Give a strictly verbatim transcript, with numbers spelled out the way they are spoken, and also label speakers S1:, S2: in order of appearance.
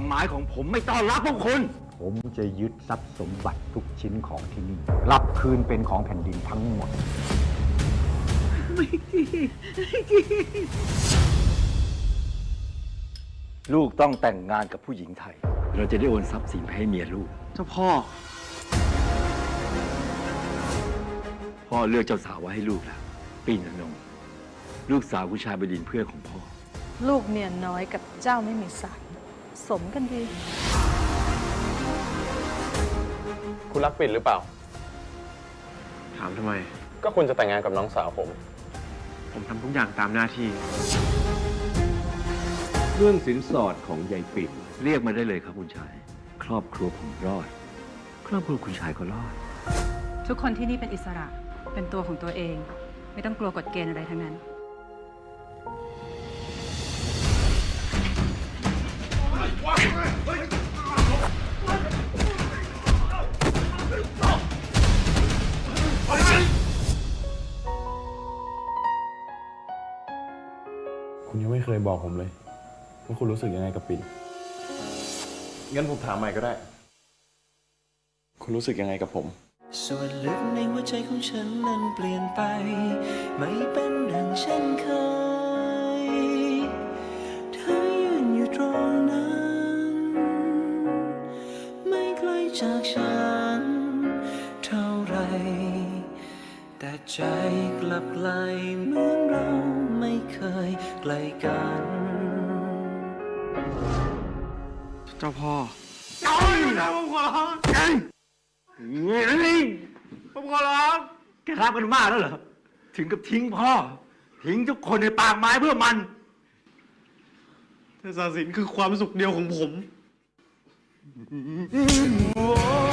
S1: หมายของผมไม่ต้อนรับพวกคุณผมจะยึดทรัพย์สมบัติทุกชิ้นของที่นี่รับคืนเป็นของแผ่นดินทั้งหมดไม่จริงไม่จริงลูกต้องแต่งงานกับผู้หญิงไทยเราจะได้โอนทรัพย์สินให้เมียลูก
S2: เจ้าพ่อ
S1: พ่อเลือกเจ้าสาวไว้ให้ลูกแล้วปีนนงลูกสาวคุณชายบดินทร์เพื่อนของพ่อ
S3: ลูกเมียน้อยกับเจ้าไม่มีสายสมกันดี
S4: คุณรักปิ่นหรือเปล่า
S2: ถามทำไม
S4: ก็คุณจะแต่งงานกับน้องสาวผม
S2: ผมทำทุกอย่างตามหน้าที่
S1: เรื่องสินสอดของยายปิ่นเรียกมาได้เลยครับคุณชายครอบครัวผมรอดครอบครัวคุณชายก็รอด
S5: ทุกคนที่นี่เป็นอิสระเป็นตัวของตัวเองไม่ต้องกลัวกฎเกณฑ์อะไรทั้งนั้น
S4: คุณยังไม่เคยบอกผมเลยว่าคุณรู้สึกยังไงกับปิ่นงั้นผมถามใหม่ก็ได้คุณรู้สึกยังไงกับผม
S6: ส่วนลึกในหัวใจของฉันนั้นเปลี่ยนไปไม่เป็นดังเช่นเคยเธอยืนอยู่ตรงนั้นไม่ไกลจากฉันเท่าไรแต่ใจกลับไกลเหมือนเราไม่เคยไกลกัน
S2: เจ้าพ่อเจ้านะผมขอร้อง
S1: นี่
S2: ผมขอร้อง
S1: แกรักกันมากแล้วเหรอถึงกับทิ้งพ่อทิ้งทุกคนในปากไม้เพื่อมัน
S2: แต่ศาสินคือความสุขเดียวของผม